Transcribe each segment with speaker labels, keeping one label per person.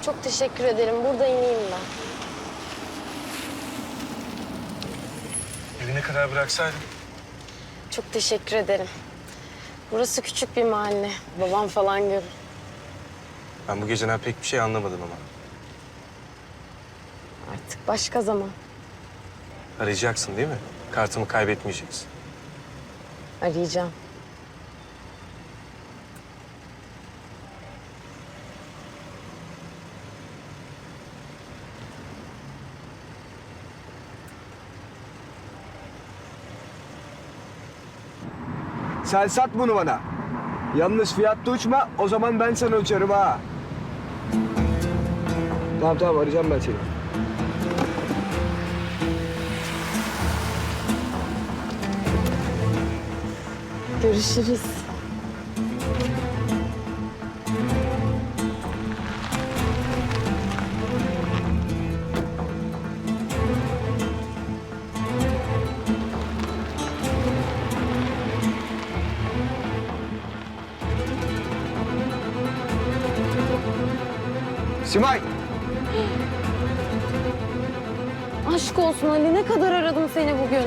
Speaker 1: Çok teşekkür ederim. Burada ineyim ben.
Speaker 2: Evine kadar bıraksaydın.
Speaker 1: Çok teşekkür ederim. Burası küçük bir mahalle. Babam falan görür.
Speaker 2: Ben bu geceden pek bir şey anlamadım ama.
Speaker 1: Artık başka zaman.
Speaker 2: Arayacaksın değil mi? Kartımı kaybetmeyeceksin.
Speaker 1: Arayacağım.
Speaker 3: Sen sat bunu bana. Yalnız fiyatta uçma, o zaman ben sana uçarım ha. Tamam arayacağım ben seni.
Speaker 1: Görüşürüz.
Speaker 3: Simay!
Speaker 1: Aşk olsun Ali, ne kadar aradım seni bugün.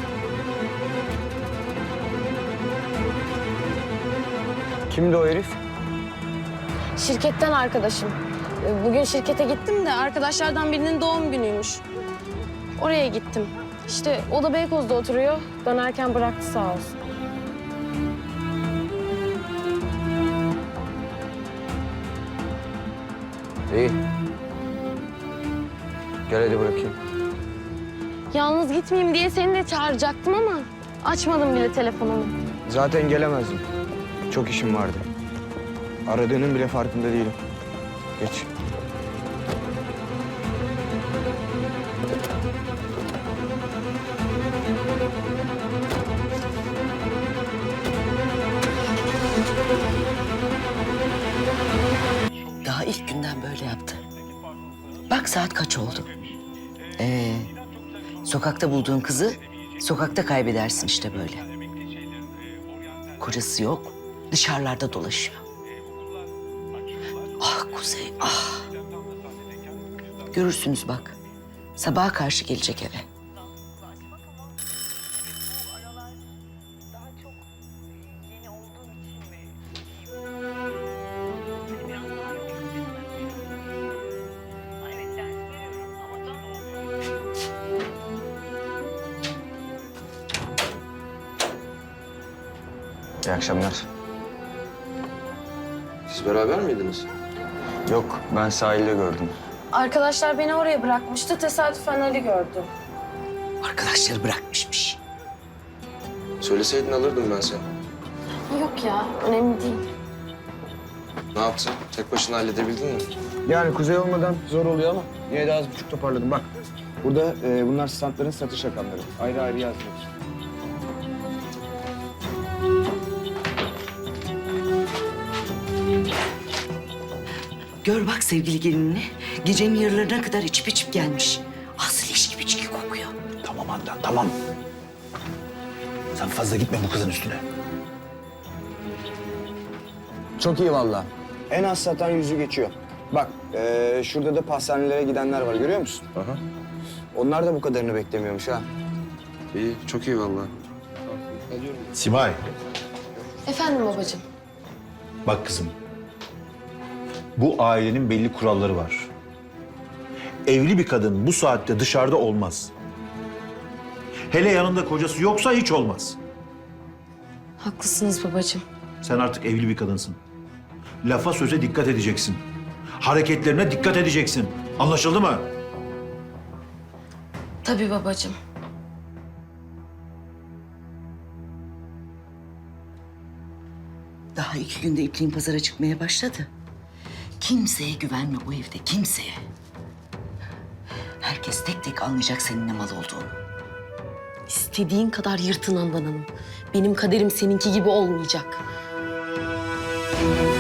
Speaker 3: Kimdi o herif?
Speaker 1: Şirketten arkadaşım. Bugün şirkete gittim de arkadaşlardan birinin doğum günüymüş. Oraya gittim. İşte o da Beykoz'da oturuyor. Dönerken bıraktı sağ olsun.
Speaker 3: İyi. Gel hadi bırakayım.
Speaker 1: Yalnız gitmeyeyim diye seni de çağıracaktım ama açmadım bile telefonumu.
Speaker 3: Zaten gelemezdim. Çok işim vardı. Aradığının bile farkında değilim. Geç.
Speaker 4: Daha ilk günden böyle yaptı. Bak saat kaç oldu. Sokakta bulduğun kızı sokakta kaybedersin işte böyle. Kocası yok, dışarılarda dolaşıyor. Ah Kuzey, ah. Görürsünüz bak. Sabaha karşı gelecek eve.
Speaker 3: İyi akşamlar.
Speaker 2: Siz beraber miydiniz?
Speaker 3: Yok, ben sahilde gördüm.
Speaker 1: Arkadaşlar beni oraya bırakmıştı. Tesadüfen Ali gördü.
Speaker 4: Arkadaşları bırakmışmış.
Speaker 2: Söyleseydin alırdım ben seni.
Speaker 1: Yok ya, önemli değil.
Speaker 2: Ne yaptın? Tek başına halledebildin mi?
Speaker 3: Yani kuzey olmadan zor oluyor ama yine de az buçuk toparladım. Bak, burada bunlar standların satış rakamları. Ayrı ayrı yazdım.
Speaker 4: Gör bak sevgili gelinini. Gecenin yarılarına kadar içip içip gelmiş. Asıl leş gibi içki kokuyor.
Speaker 5: Tamam Handan, tamam. Sen fazla gitme bu kızın üstüne.
Speaker 3: Çok iyi vallahi. En az satan yüzü geçiyor. Bak, şurada da pastanelere gidenler var, görüyor musun?
Speaker 2: Aha.
Speaker 3: Onlar da bu kadarını beklemiyormuş ha.
Speaker 2: İyi, çok iyi vallahi.
Speaker 5: Simay,
Speaker 1: Efendim babacığım.
Speaker 5: bak kızım. Bu ailenin belli kuralları var. Evli bir kadın bu saatte dışarıda olmaz. Hele yanında kocası yoksa hiç olmaz.
Speaker 1: Haklısınız babacığım.
Speaker 5: Sen artık evli bir kadınsın. Lafa söze dikkat edeceksin. Hareketlerine dikkat edeceksin. Anlaşıldı mı?
Speaker 1: Tabii babacığım.
Speaker 4: Daha 2 günde ipliğin pazara çıkmaya başladı. Kimseye güvenme bu evde, kimseye. Herkes tek tek anlayacak senin ne mal olduğunu.
Speaker 1: İstediğin kadar yırtın Handan Hanım. Benim kaderim seninki gibi olmayacak.